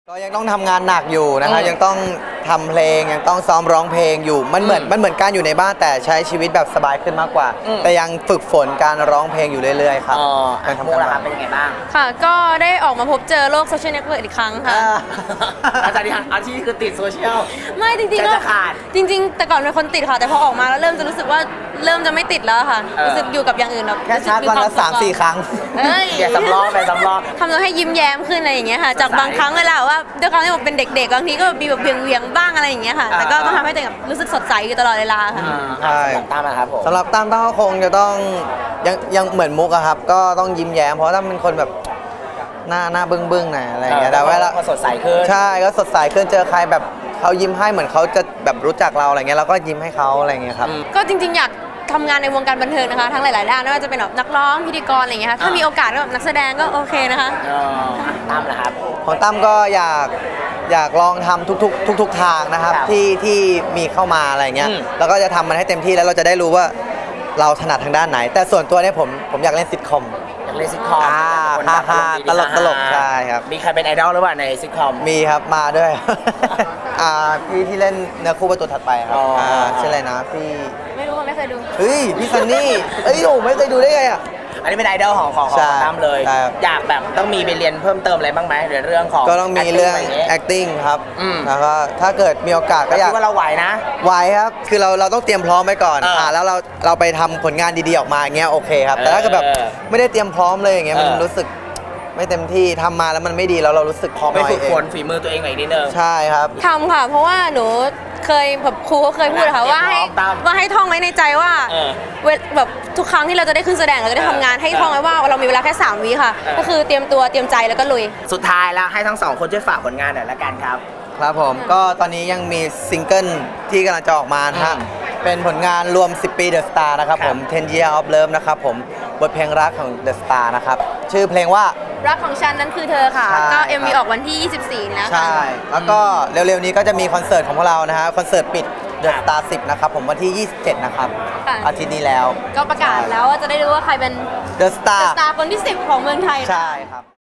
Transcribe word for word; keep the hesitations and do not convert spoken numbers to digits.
ก็ยังต้องทำงานหนักอยู่นะครับยังต้องทำเพลงยังต้องซ้อมร้องเพลงอยู่มันเหมือนมันเหมือนการอยู่ในบ้านแต่ใช้ชีวิตแบบสบายขึ้นมากกว่าแต่ยังฝึกฝนการร้องเพลงอยู่เรื่อยๆครับการทำงานเป็นยังไงบ้างค่ะก็ได้ออกมาพบเจอโลกโซเชียลเน็ตเวิร์กอีกครั้งค่ะอาจารย์อาชีพคือติดโซเชียลไม่จริงๆก็จริงๆแต่ก่อนเป็นคนติดค่ะแต่พอออกมาแล้วเริ่มจะรู้สึกว่าเริ่มจะไม่ติดแล้วค่ะรู้สึกอยู่กับอย่างอื่นแบบแค่ชาร์จวันละสามสี่ครั้งอย่าสำรองไปสำรองทำตัวให้ยิ้มแย้มขึ้นอะไรอย่างเงี้ยค่ะจากบางครั้งเวลาว่าด้วยความที่ผมเป็นเด็กๆบางทีก็มีแบบเวียงๆบ้างอะไรอย่างเงี้ยค่ะแต่ก็ต้องทำให้ตัวเองรู้สึกสดใสอยู่ตลอดเวลาค่ะใช่ตามนะครับผมสำหรับตามต้องคงจะต้องยังยังเหมือนมุกอะครับก็ต้องยิ้มแย้มเพราะถ้าเป็นคนแบบหน้าหน้าบึ้งบึ้งหน่อยอะไรอย่างเงี้ยแต่ว่าก็สดใสขึ้นใช่ก็สดใสขึ้นเจอใครแบบเขายิ้มให้เหมือนเขาจะแบบรู้จักเราอะไรเงี้ยเราก็ยิ้มให้เขาอะไรเงี้ยครับก็จริงๆอยากทำงานในวงการบันเทิงนะคะทั้งหลายๆด้านไม่ว่าจะเป็นแบบนักร้องพิธีกรอะไรอย่างเงี้ยค่ะถ้ามีโอกาสก็แบบนักแสดงก็โอเคนะคะตั้มนะครับของตั้มก็อยากอยากลองทำทุกๆทุกๆทางนะครับที่ที่มีเข้ามาอะไรเงี้ยแล้วก็จะทำมันให้เต็มที่แล้วเราจะได้รู้ว่าเราถนัดทางด้านไหนแต่ส่วนตัวเนี่ยผมผมอยากเล่นซิทคอมอยากเล่นซิทคอมฮ่าฮ่าตลกตลกใช่ครับมีใครเป็นไอดอลหรือเปล่าในซิทคอมมีครับมาด้วยอ่าพี่ที่เล่นเนื้อคู่ประตูถัดไปครับอ่าชื่ออะไรนะพี่ไม่รู้ไม่เคยดูเฮ้ยพี่ซันนี่เอ้ยโอ้ไม่เคยดูได้ไงอ่ะอันนี้เป็นไอดอลของของของตั้มเลยอยากแบบต้องมีไปเรียนเพิ่มเติมอะไรบ้างไหมในเรื่องของก็ต้องมีเรื่อง acting ครับแล้วก็ถ้าเกิดมีโอกาสก็อยากว่าเราไหวนะไหวครับคือเราเราต้องเตรียมพร้อมไว้ก่อนอ่าแล้วเราเราไปทำผลงานดีๆออกมาอย่างเงี้ยโอเคครับแต่ถ้าเกิดแบบไม่ได้เตรียมพร้อมเลยอย่างเงี้ยมันรู้สึกไม่เต็มที่ทำมาแล้วมันไม่ดีแล้วเรารู้สึกขอไปฝึกฝนฝีมือตัวเองหน่อยนิดนึงใช่ครับทำค่ะเพราะว่าหนูเคยแบบครูเขาเคยพูดค่ะว่าให้ว่าให้ท่องไว้ในใจว่าแบบทุกครั้งที่เราจะได้ขึ้นแสดงเราจะได้ทำงานให้ท่องไว้ว่าเรามีเวลาแค่สามวิค่ะก็คือเตรียมตัวเตรียมใจแล้วก็ลุยสุดท้ายแล้วให้ทั้งสองคนช่วยฝากผลงานหน่อยละกันครับครับผมก็ตอนนี้ยังมีซิงเกิลที่กำลังจะออกมานะฮะเป็นผลงานรวมสิบปีเดอะสตาร์นะครับผมสิบ year of love นะครับผมบทเพลงรักของเดอะสตาร์นะครับชื่อเพลงว่ารักของฉันนั้นคือเธอค่ะก็ เอ็ม วี ออกวันที่ยี่สิบสี่แล้วใช่แล้วก็เร็วๆนี้ก็จะมีคอนเสิร์ตของพวกเรานะฮะคอนเสิร์ตปิดเดอะสตาร์สิบนะครับผมวันที่ยี่สิบเจ็ดนะครับอาทิตย์นี้แล้วก็ประกาศแล้วว่าจะได้รู้ว่าใครเป็นเดอะสตาร์คนที่สิบของเมืองไทยใช่ครับ